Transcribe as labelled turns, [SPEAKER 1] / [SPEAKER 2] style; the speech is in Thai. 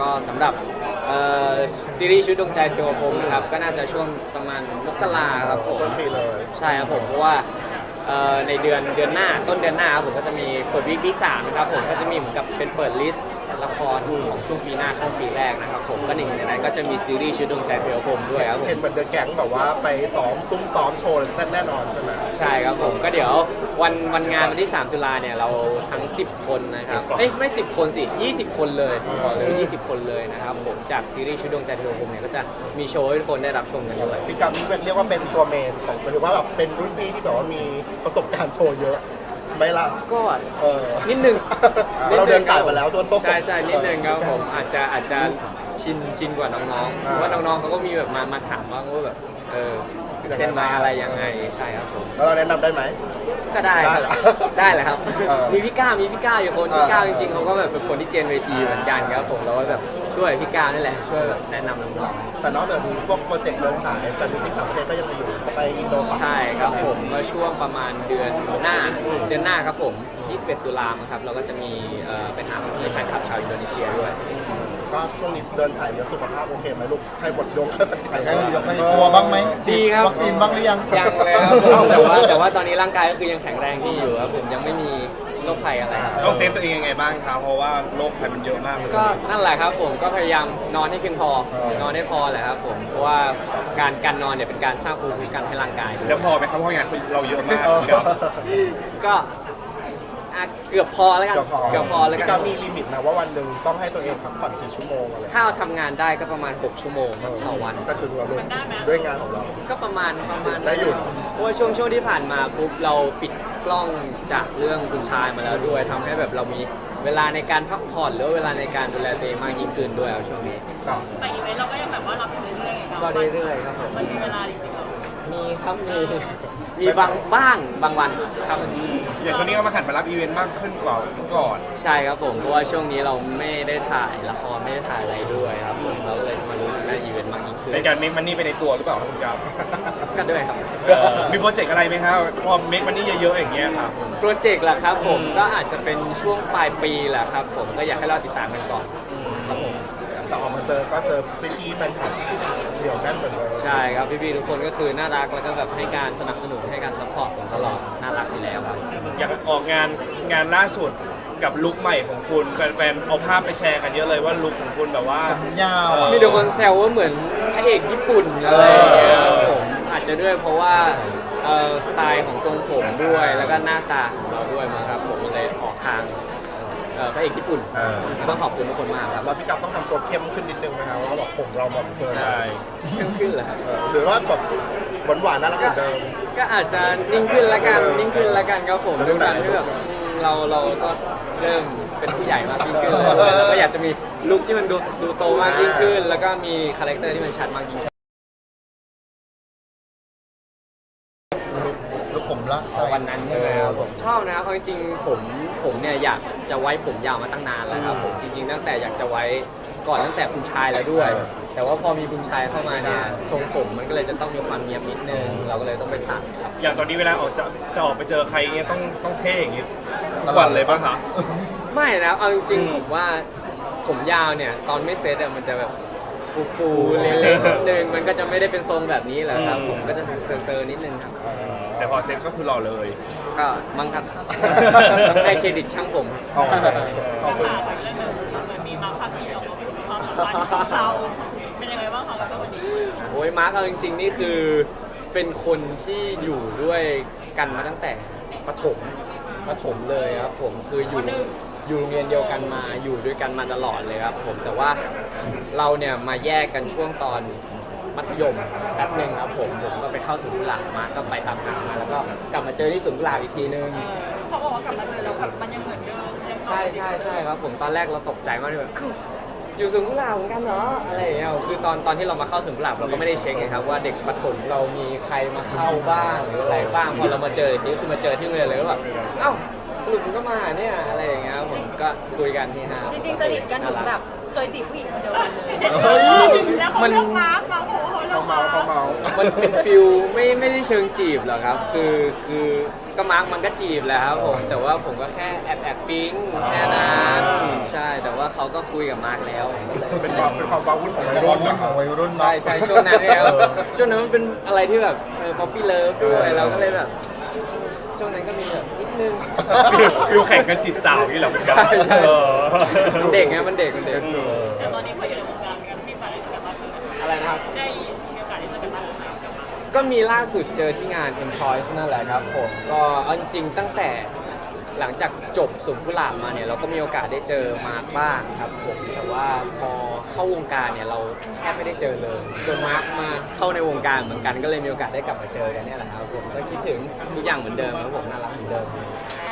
[SPEAKER 1] ก็สำหรับซีรีส์ชุดดวงใจเทวพรหมนะครับก็น่าจะช่วงประมาณมกราครับผม
[SPEAKER 2] ต้นปีเลย
[SPEAKER 1] ใช่ครับผมเพราะว่าในเดือนหน้าต้นเดือนหน้าครับผมก็จะมีเปิดวีคสามนะครับผมก็จะมีเหมือนกับเป็นเปิดลิสต์ละครของช่วงปีหน้าเข้าปีแรกนะครับผมก็หนึ่งในนั้นก็จะมีซีรีส์ชุดดวงใจเทวพรหมด้วยครับผม
[SPEAKER 2] เห็นเหมือนเดอะแก๊งแบบว่าไปซ้อมซุ้มซ้อมโชว์แน่นอนใช่ไหม
[SPEAKER 1] ใช่ครับผมก็เดี๋ยววันงานวันที่ 3 ตุลาเนี่ยเราทั้ง 10 คนนะครับไม่10 คนสิ20 คนเลยขอเลย20 คนเลยนะครับผมจากซีรีส์ชุดดวงใจเทวพรหมเนี่ยก็จะมีโชว์ให้ทุกคนได้รับชมกันด้วย
[SPEAKER 2] พี่กับนี่เรียกว่าเป็นตัวเมนของหมายถึงว่าแบบเป็นรุ่นพี่ที่แบบว่ามีประสบการณ์โชว์เยอะไหม่ล่ะ
[SPEAKER 1] ก็
[SPEAKER 2] เออ
[SPEAKER 1] นิดนึง
[SPEAKER 2] เราเดินสายมาแล้วจนต้อง
[SPEAKER 1] ใช่นิดนึงครับผมอาจจะชินกว่าน้องๆเพราะว่าน้องๆเขาก็มีแบบมาถามบ้างว่าแบบเต้นมาอะไรยังไงใช่ครับผม
[SPEAKER 2] แล้วเราแนะนำได้ไหม
[SPEAKER 1] ก็ได้ครับ
[SPEAKER 2] ได้เหรอ
[SPEAKER 1] ได้แหละครับ
[SPEAKER 2] เออ
[SPEAKER 1] มีพี่ก้าวอยู่คนพี่ก้าวจริงๆเขาก็แบบเป็นคนที่เจนเวที
[SPEAKER 2] เออ
[SPEAKER 1] เหมือนกันครับผมเราก็แบบช่วยพี่ก้าวนี่แหละช่วยแบบแนะนำน้อง
[SPEAKER 2] แต่นอกจากนี้พวกโปรเจกต์เดินสายแฟนมิตติ้งต่างประเทศก็ยังมีอยู่จะไปอินโดต่อ
[SPEAKER 1] ๆใช่ครับผมก็ช่วงประมาณเดือนหน้าครับผม21 ตุลาคมครับเราก็จะมีไปหาแฟนคลับชาวอินโดนีเซียด้วย
[SPEAKER 2] ก็ช่วงนี้เดินสายเยอะสุขภาพโอเคไหมลูกใครบดยงใครเป็นใคร
[SPEAKER 3] ใครกลัวบ้างไหม
[SPEAKER 1] ดีครับ
[SPEAKER 3] วัคซีนบ้างหรือยัง
[SPEAKER 1] ยังเลยครับผมแต่ว่าตอนนี้ร่างกายก็คือยังแข็งแรงดีอยู่ครับผมยังไม่มีโรคภัยอะไรครับ
[SPEAKER 4] ต้องเซฟตัวเองยังไงบ้างครับเพราะว่าโรคภัยมันเยอะมากเลย
[SPEAKER 1] ก็นั่นแหละครับผมก็พยายามนอนให้เพียงพอนอนให้พอแหละครับผมเพราะว่าการนอนเนี่ยเป็นการสร้างภูมิคุ้มกันให้ร่างกายด้วย
[SPEAKER 4] แล้วพอไหมครับเพราะงานเราเยอะมากครับ
[SPEAKER 1] ก็เกือบพอแล้วกันเกือบพอแล้วกั
[SPEAKER 2] พี่
[SPEAKER 1] น
[SPEAKER 2] กับมีลิมิตนะว่าวันหนึ่งต้องให้ตัวเองพักผ่อนกี่ชั่วโมงอะไร
[SPEAKER 1] ถ้าเราทำงานได้ก็ประมาณ6 ชั่วโมงครับต่อวัน
[SPEAKER 2] ก็ถือว่าลูกด้วยงานของเรา
[SPEAKER 1] ก็ประมาณ
[SPEAKER 2] ได้อยู่
[SPEAKER 1] เพราะว่าช่วงที่ผ่านมาปุ๊บเราปิดกล้องจากเรื่องคุณชายมาแล้วด้วยทำให้แบบเรามีเวลาในการพักผ่อนหรือว่าเวลาในการดูแลตัวเองมากยิ่งขึ้นด้วยครับช่วงนี้
[SPEAKER 2] ก็
[SPEAKER 5] แต่อีเวนต์เราก็ยังแบบว่ารับอยู่เรื่อยๆไงครับ
[SPEAKER 1] ก็เรื่อยๆครับผม
[SPEAKER 5] มันมีเวลาจริงๆเหรอ
[SPEAKER 1] มีครับมีบางวันครับ
[SPEAKER 4] อย่างช่วงนี้ก็มาหันมารับอีเวนต์มากขึ้นกว่าเมื่อก่อน
[SPEAKER 1] ใช่ครับผมเพราะว่าช่วงนี้เราไม่ได้ถ่ายละครไม่ได้ถ่ายอะไรด้วยครับผมเราก็เลยจะมาดูหน้าอีเวนต์มากยิ่งขึ้น
[SPEAKER 4] ในการเมคมันนี่ไปในตัวหรือเปล่าครับคุณครับ
[SPEAKER 1] ก็ด้วยครับ
[SPEAKER 4] มีโปรเจกต์อะไรไหมครับพอเมคมันนี่เยอะๆอย่างเงี้ยครับ
[SPEAKER 1] โปรเจกต์ล่ะครับผมก็อาจจะเป็นช่วงปลายปีแหละครับผมก็อยากให้เราติดตามกันก่อนครับผม
[SPEAKER 2] แต่ออกมาเจอก็เจอพี่ๆแฟนคลับเดี่ยวแน่นเหมือนเดิม
[SPEAKER 1] ใช่ครับพี่ๆทุกคนก็คือน่ารักแล้วก็แบบให้การสนับสนุนให้การซัพพอร์ตผมตลอดน่ารักอยู่แล้วครับ
[SPEAKER 4] อยากออกงานล่าสุดกับลุคใหม่ของคุณแฟนๆเอาภาพไปแชร์กันเยอะเลยว่าลุคของคุณแบบว่า
[SPEAKER 3] ยาว
[SPEAKER 1] มีแต่คนแซวว่าเหมือนพระเอกญี่ปุ่นอะไรอย่างเงี้ยครับผมอาจจะด้วยเพราะว่าสไตล์ของทรงผมด้วยแล้วก็หน้าตาของเราด้วยมั้งครับผมเลยออกทางพระเอกญี่ปุ่นต้องขอบคุณทุกคนมากครับ
[SPEAKER 2] แล้วพี่กับต้องทำตัวเข้มขึ้นนิดนึงไหมครับว่าแบบผมเราแบบเฟิร์ม
[SPEAKER 4] ใช่
[SPEAKER 1] เข้มขึ้นเหรอครับ
[SPEAKER 2] หรือว่าแบบหวานๆน่ารักเหมือนเดิม
[SPEAKER 1] ก็อาจจะนิ่งขึ้นละกันครับผมด้วยการที่แบบเราก็เริ่มเป็นผู้ใหญ่มากยิ่งขึ้นแล้วก็อยากจะมีลุคที่มันดูโตมากยิ่งขึ้น แล้วก็มีคาแรคเตอร์ที่มันชัดมากยิ่งขึ้น
[SPEAKER 3] แล้วผมละใส่
[SPEAKER 1] วันนั้นใช่ไหมครับผมชอบนะครับเอาจริงๆผมเนี่ยอยากจะไว้ผมยาวมาตั้งนานแล้วครับผมจริงๆตั้งแต่อยากจะไว้ก่อนตั้งแต่คุณชายแล้วด้วย แต่ว่าพอมีคุณชายเข้ามาเนี่ยทรงผมมันก็เลยจะต้องมีความเนียบนิดนึงเราก็เลยต้องไปตัดครับ
[SPEAKER 4] อย่างตอนนี้เวลาออกจะออกไปเจอใครเงี้ยต้องเท่อย่างงี้ทุกวันเลยป่ะคะ ไม่
[SPEAKER 1] ไม่นะเอาจริงๆผมว่าผมยาวเนี่ยตอนไม่เซ็ตอะมันจะแบบฟูๆเล็กๆนิดนึงมันก็จะไม่ได้เป็นทรงแบบนี้แหละครับผมก็จะเซอร์ๆนิดนึงครับ
[SPEAKER 4] แต่พอเซ็ตก็คือหล่อเลย
[SPEAKER 1] ก็มั้งครับ ให้เครดิตช่างผม
[SPEAKER 2] อ๋อขอบคุณ
[SPEAKER 5] ถามเรื่องนึงเหมือนมีมาร์คพาร์ตี้ออกมาพูดถึงความสัมพันธ์ของเราเป็นยังไงบ้างคะกับวันนี้
[SPEAKER 1] โอ้ยมาร์คเอาจริงๆนี่คือเป็นคนที่อยู่ด้วยกันมาตั้งแต่ประถมเลยครับผมคืออยู่โรงเรียนเดียวกันมาอยู่ด้วยกันมาตลอดเลยครับผมแต่ว่าเราเนี่ยมาแยกกันช่วงตอนมัธยมแป๊บหนึ่งครับผมก็ไปเข้าศูนย์กุหลาบมาก็ไปตามหามาแล้วก็กลับมาเจอที่ศูนย์กุหลาบอีกทีนึง
[SPEAKER 5] เขาบอกว่ากลับมาเจอแล้วแบบมันยังเหมือนเดิมยัง
[SPEAKER 1] ใช่ครับผมตอนแรกเราตกใจมากเลยแบบอ้าวอยู่ศูนย์กุหลาบเหมือนกันเหรออะไรอย่างเงี้ยคือตอนที่เรามาเข้าศูนย์กุหลาบเราก็ไม่ได้เช็คไงครับว่าเด็กประถมเรามีใครมาเข้าบ้างหรืออะไรบ้างพอเรามาเจออีกทีคือมาเจอที่โรงเรียนเลยก็แบบเอ้าสรุปมันก็มาเนี่ยอะไรอย่างเงี้ยครับผมก็คุยกันที่ห้า
[SPEAKER 6] จริงๆสนิทกันถึงแบบเคยจีบผู้หญิงคนเดียวกันเลย
[SPEAKER 5] แล้วเขาเลือกมาร์คบอกว่าเขาเลือก
[SPEAKER 2] เขาเมา
[SPEAKER 1] มันเป็นฟิลไม่ได้เชิงจีบหรอกครับ คือก็มาร์กมันก็จีบแหล้วครับผมแต่ว่าผมก็แค่แอบปิ๊งแค่นั้นใช่แต่ว่าเขาก็คุยกับมาร์กแล้ว
[SPEAKER 2] เป็นความว้าวุ่นของวัย
[SPEAKER 3] วั
[SPEAKER 2] รุ่
[SPEAKER 3] ย
[SPEAKER 2] น
[SPEAKER 3] รุ่น
[SPEAKER 2] นะ
[SPEAKER 3] ของวัยรุ่น
[SPEAKER 1] ใช่
[SPEAKER 3] เนาะ
[SPEAKER 1] ใช่ช่วงนั้นเนี่ยครับช่วงนั้นมันเป็นอะไรที่แบบป๊อปปี้เลิฟด้วยเราก็เลยแบบช่วงนั้นก็มีแบบนิดนึง
[SPEAKER 4] ฟิวแข่งกันจีบสาวนี่เหรอพี่ครับ
[SPEAKER 1] ใช่ใช่
[SPEAKER 4] เออ
[SPEAKER 1] มันเด็กไงมันเด็ก
[SPEAKER 5] แต่ตอนนี้พออยู่ในวงการกันที่ไปกันมากขึ้น
[SPEAKER 1] อะไรนะครับ
[SPEAKER 5] ได้มีโอกาสที่จะกันมากขึ้นกับมา
[SPEAKER 1] ก็มีล่าสุดเจอที่งาน M Choice นั่นแหละครับผมก็เอาจริงๆตั้งแต่หลังจากจบสวนกุหลาบมาเนี่ยเราก็มีโอกาสได้เจอมาร์คบ้างครับผมแต่ว่าพอเข้าวงการเนี่ยเราแทบไม่ได้เจอเลยจนมาร์คมาเข้าในวงการเหมือนกันก็เลยมีโอกาสได้กลับมาเจอกันเนี่ยแหละครับผมก็คิดถึงทุกอย่างเหมือนเดิมครับผมน่ารักเหมือนเดิม